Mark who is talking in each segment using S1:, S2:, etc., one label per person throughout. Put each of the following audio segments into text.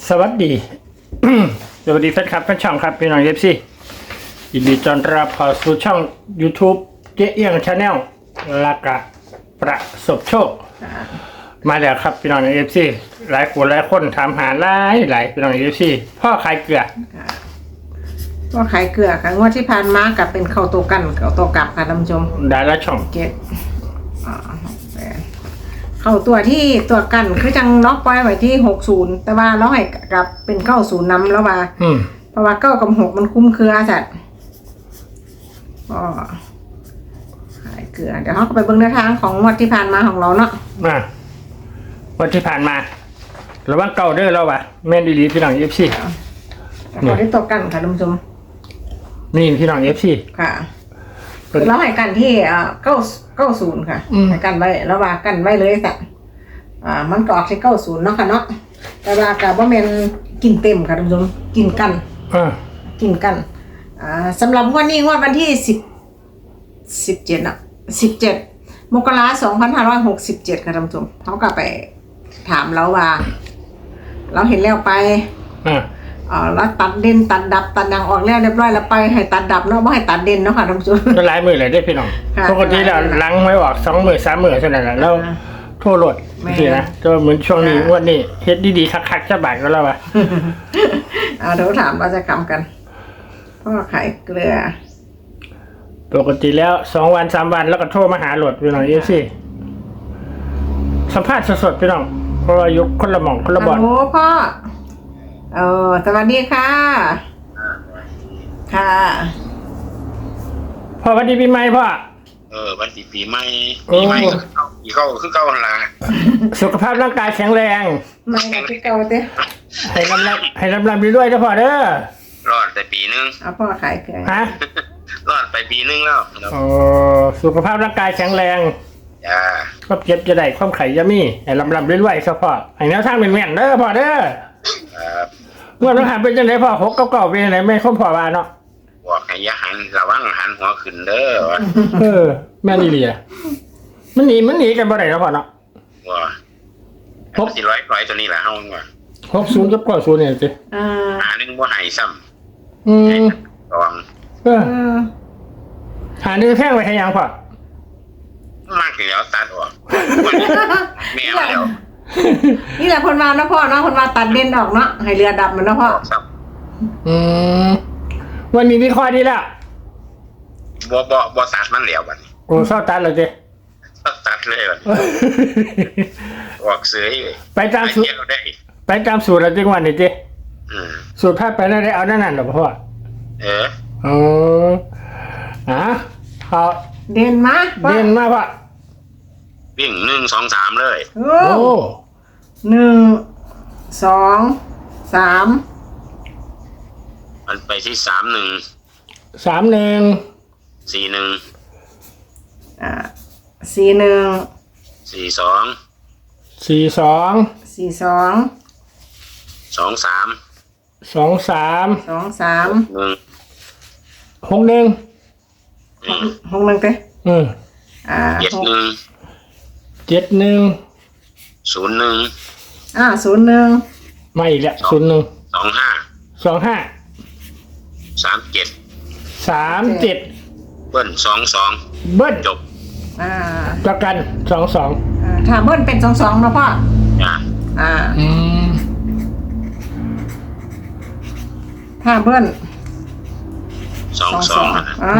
S1: สวัสดี สวัสดีแฟนคลับแฟนช่องครับพี่น้องเอฟซียินดีต้อนรับเข้าสู่ช่อง YouTube เจ๊เอี้ยงชาแนลลากะประสบโชคมาแล้วครับพี่น้องเอฟซีหลายคนถามหาหลายพี่น้องเอฟซีพ่อขายเกลือ
S2: ก็ขายเกลือค่ะงวดที่ผ่านมากับเป็นเข้าตัวกันเข้าตัวกลับค่ะท่านผู้ชม
S1: ได้ละช่อง
S2: เจ็ดเข้าตัวที่ตัวกันคือจังล็อกไว้ไว้ที่60แต่ว่าล็อกให้กับเป็น90นำแล้วว่าเพราะว่า9กับ6มันคุ้มเครือจัดก็ขายเกลือเดี๋ยวเราก็ไปเบิ่งแนวทางของงวดที่ผ่านมาของเราเนาะ
S1: วันที่ผ่านมาระวังเก่าเด้อเราว่ะแม่นดีๆพี่น้องเอฟซี
S2: เขาได้ตัวกันค่ะท่านผู้ชม
S1: นี่พี่น้องเอฟซี
S2: ค่ะเราให้กันที่90ค่ะให้กันไว้แล้วว่ากันไว้เลยสักมันก็ออกที่90เนาะค่ะเนาะแต่ว่ากับว่าแม่นกินเต็มค่ะท่านผู้ชมกินกันสำหรับงวดนี้งวดวันที่17น่ะ17มกราคม2567ค่ะท่านผู้ชมเขาก็ไปถามเราว่าเราเห็นแล้วไปแล้วตัดเด่นตัดดับตัดอย่างออกแล้วเรียบร้อยแล้วไปให้ตัดดับเนาะไม่ให้ตัดเด่นเนาะค่ะท่านผู้ชม
S1: ก็หลายมือเลยได้พี่น้องปกติเราล้างไว้ออก2 มือ3 มือเท่านั้นแหละแล้วโทษรถสินะก็เหมือนช่วงนี้วันนี้เฮ็ดดีๆคักๆจะบาดก็แล้วว่ะ
S2: เดี๋ยวถามเราจะกำกันพ่อขายเกลือ
S1: ปกติแล้ว2 วัน 3 วันแล้วก็โทรมาหาโหลดพี่น้องสิสัมภาษณ์สดๆพี่น้องเพราะว่ายุคคนละหม่องคนละบ่อน
S2: โอ้พ่อสวัสดีค่ะ
S1: พ่อวันดีปีใหม่พ่อ
S3: วันดีปีใหม่คือเก่าหั่นล่ะ
S1: สุขภาพร่างกายแข็งแรง
S2: ไม่คือเก่าเด้
S1: ให้ลำด้วยนะพ่อเด้อ
S3: รอดแต่ปีนึง
S2: พ่อขายเกลือ
S1: ฮะ
S3: รอดไปปีนึงแล้ว
S1: สุขภาพร่างกายแข็งแรงก็เจ็บจะได้ความไข่ยามีให้ลำด้วยๆครับพ่อให้แนวทางเป็นแม่นเด้อพ่อเด้อเมื่อเราหันเป็นจังไดพ่อ6 เก่าเป็นจังไดแม่คนพ่อว่าเนาะ
S3: บอกให้อย่าหันระวังหันหัวขึ้นเด้
S1: อแม่นี่เหลียมันหนีกันบ่ได้เนาะพ่อเนาะ
S3: ว่าสิร้อยตัวนี้แหละเฮาว่า
S1: 60กับ90เนี่ยสิ
S3: หานึงบ่ให้ซ้ำระวัง
S1: หานึงแท่งไว้ให้ยังพ่อ
S3: มากแล้วตัดออกแม่แล้ว
S2: นี่แหละคนมาเนาะพ่อเนาะคนมาตัดเด่นออกเนาะให้เรือดับมันเนาะพ่อ
S1: วันนี้วิเคราะห์ดีแล้ว
S3: บ่ตัดมันแล้วบัดนี้
S1: โอ้ชอบตัดเลยเจ้
S3: ตัดเลยบัดออกเสย
S1: ไปตามสูตรแล้วจริงวันนี้เจ้สูตรพลาดไปแล้วได้เอานั่นหรอพ่อเขา
S2: เด่นมา
S1: พ่อ
S3: วิ่ง1 2 3เลย
S2: โอ้1 2 3
S3: มันไปที่31
S2: 61เต้
S3: 71
S2: 01
S1: ไม่อีกแล้ว01 25 37
S3: เบิ้ล22
S1: เบิ้ลจบประกัน22
S2: ถ้าเบิ้ลเป็น22นะพ่อถ้าเบิ้ล
S3: 22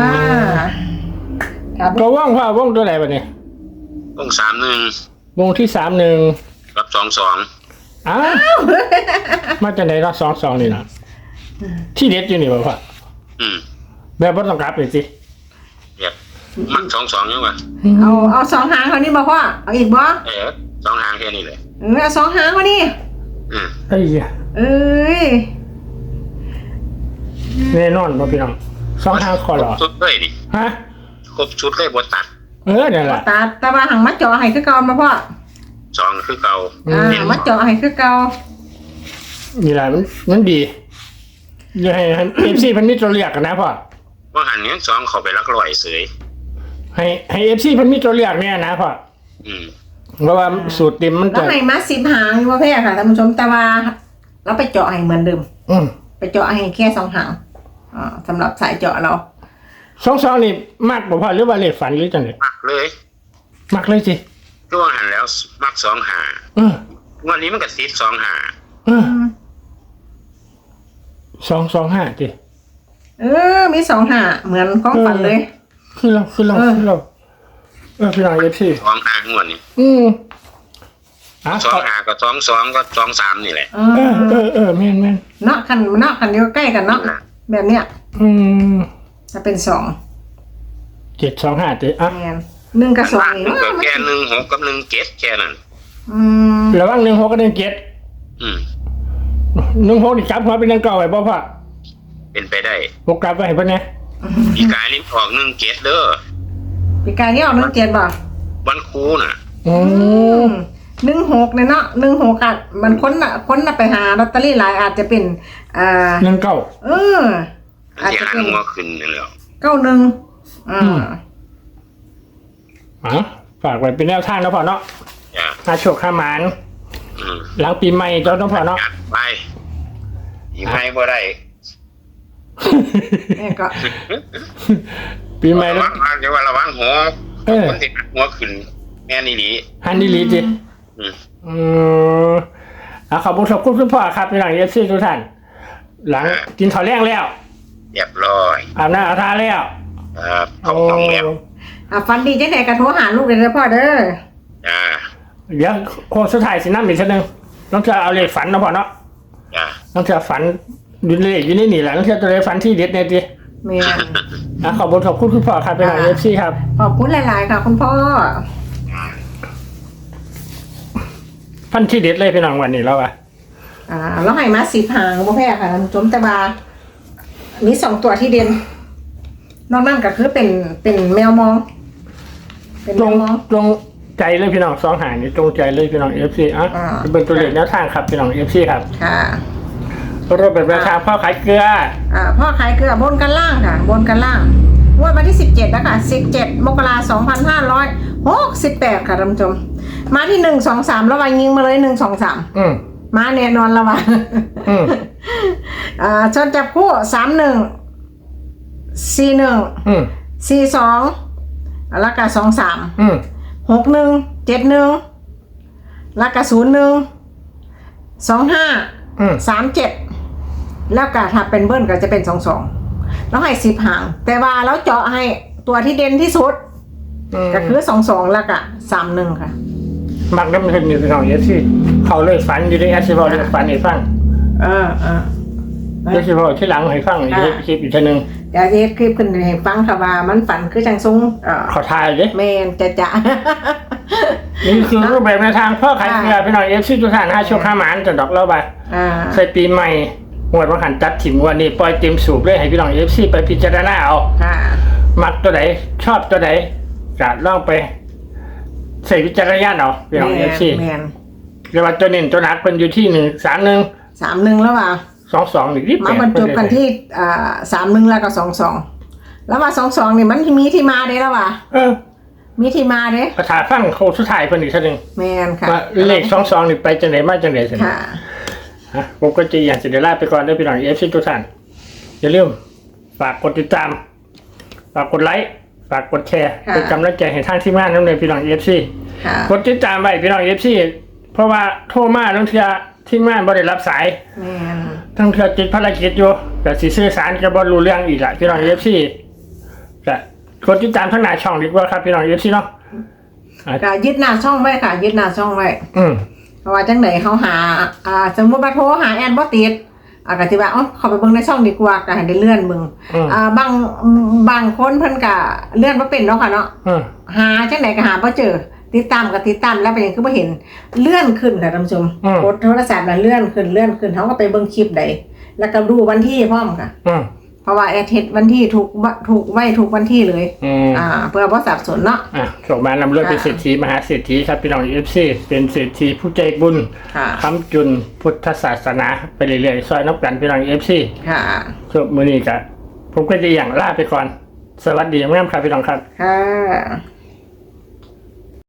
S1: ก็ว่างพ่อว่างตัวไหนบัดนี้
S3: วง31
S1: วงที่31
S3: กับ22
S1: มาจากไหนเนาะ22นี่นะที่เด็ดอยู่นี่บ่พ่อแบบบ่ต้องกลับเลยสิ
S3: แบบมัก22ยังวะ
S2: เอา2 หางเขานี่บ่พ่อเอาอีกบ่
S3: 2 หางแค่นี้เลย
S2: เอา2 หางเขานี่
S1: เอ้ยแน่นอนบ่พี่น้อง2 หางคอหรอ
S3: ชุดเลยดิ
S1: ฮะ
S3: ครบชุดเลยบ่ตัด
S1: นั่นแหละ
S2: ตัดแต่ว่าหังมัดเจาะให้คือเก่ามาพ่อ
S3: 2คือเก่า
S2: มัดเจาะให้คือเก่า
S1: นี่แหละมันดีอย่าให้FC เพิ่นมีตัวเลือกกันนะพ่อ
S3: ว่าหันนี้2เข้าไปลักร้อยเสย
S1: ให้ FC เพิ่นมีตัวเลือกเนี่ยนะพ่อเพราะว่าสูตรเต็มมัน
S2: แล้วให้มา10 หางอยู่ว่าแพ้ค่ะท่านผู้ชมแต่ว่าแล้วไปเจาะให้เหมือนเดิม
S1: อืม
S2: ไปเจาะให้แค่2 หางสำหรับสายเจาะเรา
S1: 22นี่มากบ่พอหรือว่าเลขฝันหรือจังได๋
S3: มักเลย
S1: มักเลยสิ
S3: ตัวหันแล้วมัก2 หา
S1: เออ
S3: วันนี้มันก็ติด2 หา
S1: เออ225ติ
S2: มี2 หาเหมือนของฝันเลย
S1: คือเราพี่น้อง FC
S3: 2 หางวดนี้
S1: อ่ะ
S3: 2 หาก็2 ก็2 3นี่แหละ
S1: แม่น
S2: เนาะคันเดียวใกล้กันเนาะแบบเนี้ย
S1: อืม
S2: จะเป็น
S1: 725ติอ่ะ
S2: 2แม่น1กับ2นี่
S3: มันก็แค่16กับ17แค่นั้น
S1: ระวัง16กับ17
S3: อืม
S1: 16นี่จับหัวเป็นจังเก่าไว้บ่พ่อ
S3: เป็นไปได้
S1: บ่กลับไว้ให้เพิ่นแหน่
S3: ปีกายนี่ออก17เด้อ
S2: ปีกายนี่ออก17บ่
S3: วันครูน่ะ
S1: อืม
S2: 16เนี่ยเนาะ16อ่ะมันคนน่ะไปหาลอตเตอรี่หลายอาจจะเป็น
S1: 19
S2: อาจ
S3: ที่
S2: จะ
S3: หัน
S2: เป็น
S3: หัวขึ้นนี่แหละ
S2: 91
S1: ฝากไว้เป็นแนวทางนะพ่อเนาะ
S3: จ้ะ
S1: หาโชคหาหมาน
S3: อืม
S1: หลังปีใหม่เจ้าต้องพ่อเนาะ
S3: จัดไปอีกไม่บ่ได้
S2: แม่ก็
S1: ปีใหม่
S3: ระ
S1: แล้ว
S3: วังจะว่าระวังหัว
S1: เออ
S3: คนที่หันหัวขึ้นแม่นี่ดี
S1: ฮันดีลีจิ
S3: อืม
S1: ขอบคุณพ่อครับพี่น้องเอฟซีทุกท่าน หลังกินข้าวแรงแล้ว
S3: เรียบร้อย
S1: อาบน้ำอาบท่าแล้ว
S3: ครับเขาต้องแล้ว
S2: ฟันดีจังได๋ก็โทรหาลูกเลยเด้อพ่อเด้อ
S3: จ้า
S1: เดี๋ยวโค้งสุดท้ายสิน้ำอีกทีนึงต้องจะเอาเลขฝันนะพ่อเนาะ
S3: จ้า
S1: ต้องจะฝันอยู่ในเลขอยู่ในนี่แหละต้องจะตัวเลขฝันที่เด็ดเนี่ยจิ
S2: แม่น
S1: ขอบคุณพ่อครับพี่น้องเอฟซีครับ
S2: ขอบคุณหลายๆค่ะคุณพ่อ
S1: ฟันที่เด็ดเลยพี่น้องวันนี้แล้วอะ
S2: แล้วให้มา10 หางบ่แพ้ค่ะท่านผู้ชมแต่ว่ามี2 ตัวที่เด่นนอกนั้นก็คือเป็นแมวมอง เป็น
S1: ต
S2: แม
S1: รง
S2: วมอง
S1: ตรงใจเลยพี่น้องสองหางนี่ตรงใจเลยพี่น้องเอฟซีเป็นตัวเลขแนวทางครับพี่น้องเอฟซีครับ
S2: ค่ะ
S1: รถแบบราคาพ่อขายเกลือ
S2: พ่อขายเกลือบนกันล่างค่ะ บนกันล่างงวดวันที่17นะคะ17 มกราคม 2568ค่ะท่านผู้ชมมาที่1 2 3แล้ววายิงมาเลย1 2 3มาแน่นอนแล้วว่ะชนจับคู่31 41 42แล้วก็23 61 71แล้วก็01 25 37แล้วก็ถ้าเป็นเบิ้ลก็จะเป็น22แล้วให้10 หางแต่ว่าแล้วเจาะให้ตัวที่เด่นที่สุดก็คือ22แล้วก็31ค่ะ
S1: มักน้ำเงินอยู่พี่น้องเอฟซีเขาเลยฝันอยู่ในแอสซิบอลฝันให้ฟังแอสซิบอลที่หลังให้ฟังอีกคลิปอีกทีนึง
S2: เดี๋ยวจะคลิปขึ้นให้ฟังค่ะว่ามันฝันคือจังซุง
S1: ขอทายเลย
S2: แมนจะ
S1: นี่คือรูปแบบในทางพ่อขายเกลือพี่น้องเอฟซีทุกท่าน5โชค5หมานจะดอกเล่าไปใส่ปีใหม่หวดว่าหันจัดถิ่มวันนี้ปล่อยเต็มสูบเลยให้พี่น้องเอฟซีไปพิจารณาเอามักตัวไหนชอบตัวไหนจะลองไปใส่วิจารณญาณเอาพี่น้องเอฟซีเรียกว่าตัวเน้นตัวหนักเป็นอยู่ที่
S2: 31แล้วว่า
S1: 22อีกนิด
S2: มาบรรจบกันที่31แล้วก็22แล้วว่า22นี่มันมีที่มาเด้แล้วว่ามีที่มาเด้
S1: ประธานฟังโค้งสุดท้ายเพิ่นอีกทีนึง
S2: แม่นค่ะ
S1: เลข22นี่ไปจังได๋มาจังได๋ซั่นผมก็จะอยากจะได้ลาไปก่อนด้วยพี่น้องเอฟซีทุกท่านอย่าลืมฝากกดติดตามฝากกดไลค์ฝากกดแชร์เป็นกำลังใจให้ทางทีมงานน้ำเลยพี่น้องเอฟซีกดติดตามไว้พี่น้องเอฟซีเพราะว่าโทรมาทั้งเทื่อทีมงานบ่ได้รับสายทั้งเทื่อติดภารกิจอยู่แต่สิสื่อสารกับ่รู้เรื่องอีกล่ะพี่น้องเอฟซีก็กดติดตามทั้งหน้าช่องดีกว่าครับพี่น้องเอฟซีเนาะ
S2: ก็ยึดหน้าช่องไว้ค่ะยึดหน้าช่องไว้เพราะว่าจังไหนเขาหาสมมติว่าโทรหาแอนบ่ติดก็สิว่าเขาไปเบิ่งในช่องดีกว่าก็ให้ได้เลื่อนเบิ่งบางคนเพิ่นก็เลื่อนบ่เป็นเนาะค่ะเนาะหาจังไหนก็หาบ่เจอติดตามก็ติดตามแล้วเป็นหยังคือบ่เห็นเลื่อนขึ้นค่ะท่านผู้ชมกดโทรศัพท์แล้วเลื่อนขึ้นเขาก็ไปเบิ่งคลิปใดแล้วก็ดูวันที่พร้อมค่ะเพราะว่าแอดเฮ็ดวันที่ถูกไว้ถูกวันที่เลยเพื่อบ่สับสนเนาะ
S1: ส่งมานำเรื่องเป็นเศรษฐีมหาเศรษฐีครับพี่น้องเอฟซีเป็นเศรษฐีผู้ใจบุญค้ำจุนพุทธศาสนาไปเรื่อยๆซอยนับกันพี่น้องเอฟซีช่วงมื้อนี้ก็ผมก็จะอย่างลาไปก่อนสวัสดีงามครับพี่น้องครับ